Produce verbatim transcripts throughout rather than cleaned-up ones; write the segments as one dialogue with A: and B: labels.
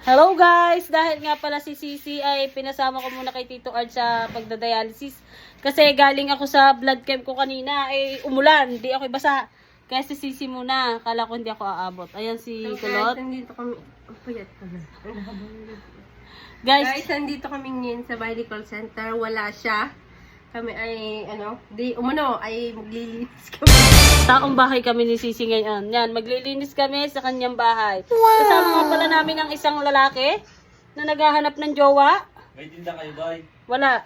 A: Hello guys! Dahil nga pala si Sisi ay pinasama ko muna kay Tito Ard sa pagdadialysis. Kasi galing ako sa blood camp ko kanina, eh umulan, hindi ako basa. Kaya si Sisi muna, kala ko hindi ako aabot. Ayan si Kulot.
B: Guys, nandito kami, oh, payat ko na.
A: Guys,
B: Guys, nandito kami ngayon sa medical center, wala siya. Kami ay, ano, di, umano, ay maglilinis kami.
A: taong bahay kami ni Sisi ngayon. Yan, maglilinis kami sa kanyang bahay. Wow. Kasama nga pala namin ang isang lalaki na naghahanap ng jowa.
C: May tinda kayo, boy?
A: Wala.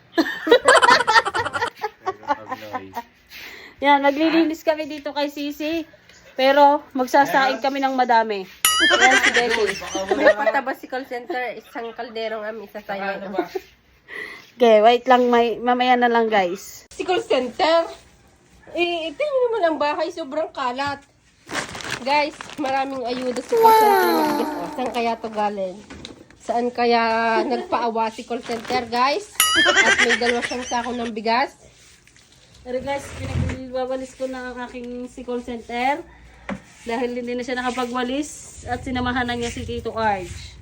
A: Yan, maglilinis kami dito kay Sisi. Pero magsasaing kami ng madami. Yan si Becky.
B: May patabas si call center, isang kalderong am, isa tayo.
A: Okay, wait lang, may, mamaya na lang guys.
B: Si call center, eh, ito yun naman ang bahay, sobrang kalat. Guys, maraming ayuda si call center. Oh, saan kaya to galing? Saan kaya nagpaawa si call center, guys? At may dalawa siyang sako ng bigas.
A: Pero guys, pinagwawalis ko na ang aking si call center. Dahil hindi na siya nakapagwalis at sinamahan na niya si Tito Arj.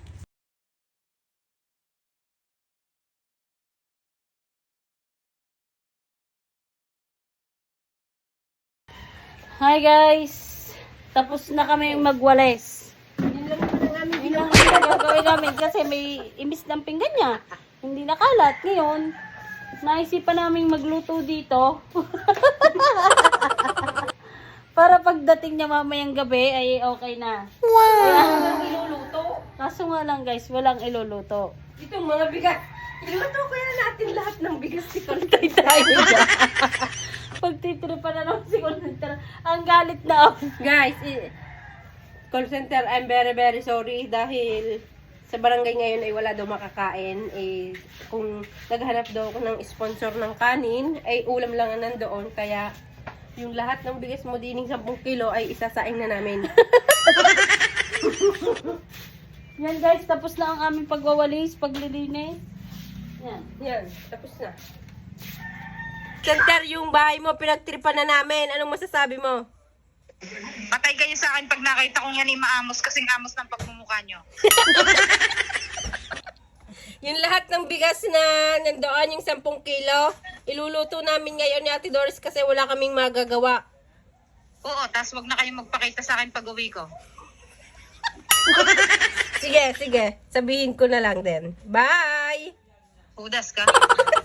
A: Hi guys! Tapos na kami magwalis.
B: Yun lang naman ang aming
A: Yun lang ang gagawin namin kasi may imbis ng pinggan niya. Hindi nakalat. Ngayon, naisipan namin magluto dito. Para pagdating niya mamayang gabi ay okay na.
B: Wow! Walang iluluto.
A: Kaso nga lang guys, walang iluluto.
B: Itong mga bigas. Iluto kaya natin lahat ng bigas si call
A: Tay tayo dyan. Pagtitiripan na naman si call center. Ang galit na ako.
B: Guys, eh, call center, I'm very very sorry dahil sa barangay ngayon ay wala daw makakain. Eh, kung naghanap daw ako ng sponsor ng kanin, ay ulam lang ang nandoon. Kaya yung lahat ng bigas mo dining sampung kilo ay isasaing na namin.
A: Yan guys, tapos na ang aming pagwawalis, paglilinis. Yan.
B: Yan, tapos na. Center, yung bahay mo, pinagtripan na namin. Anong masasabi mo?
D: Patay kayo sa akin pag nakita kong yan ay maamos kasing amos ng pagmumukha nyo.
B: Yung lahat ng bigas na nandoon, yung sampung kilo, iluluto namin ngayon ni Ate Doris kasi wala kaming magagawa.
D: Oo, tas wag na kayong magpakita sa akin pag uwi ko.
B: Sige, sige. Sabihin ko na lang din. Bye!
D: Udas ka.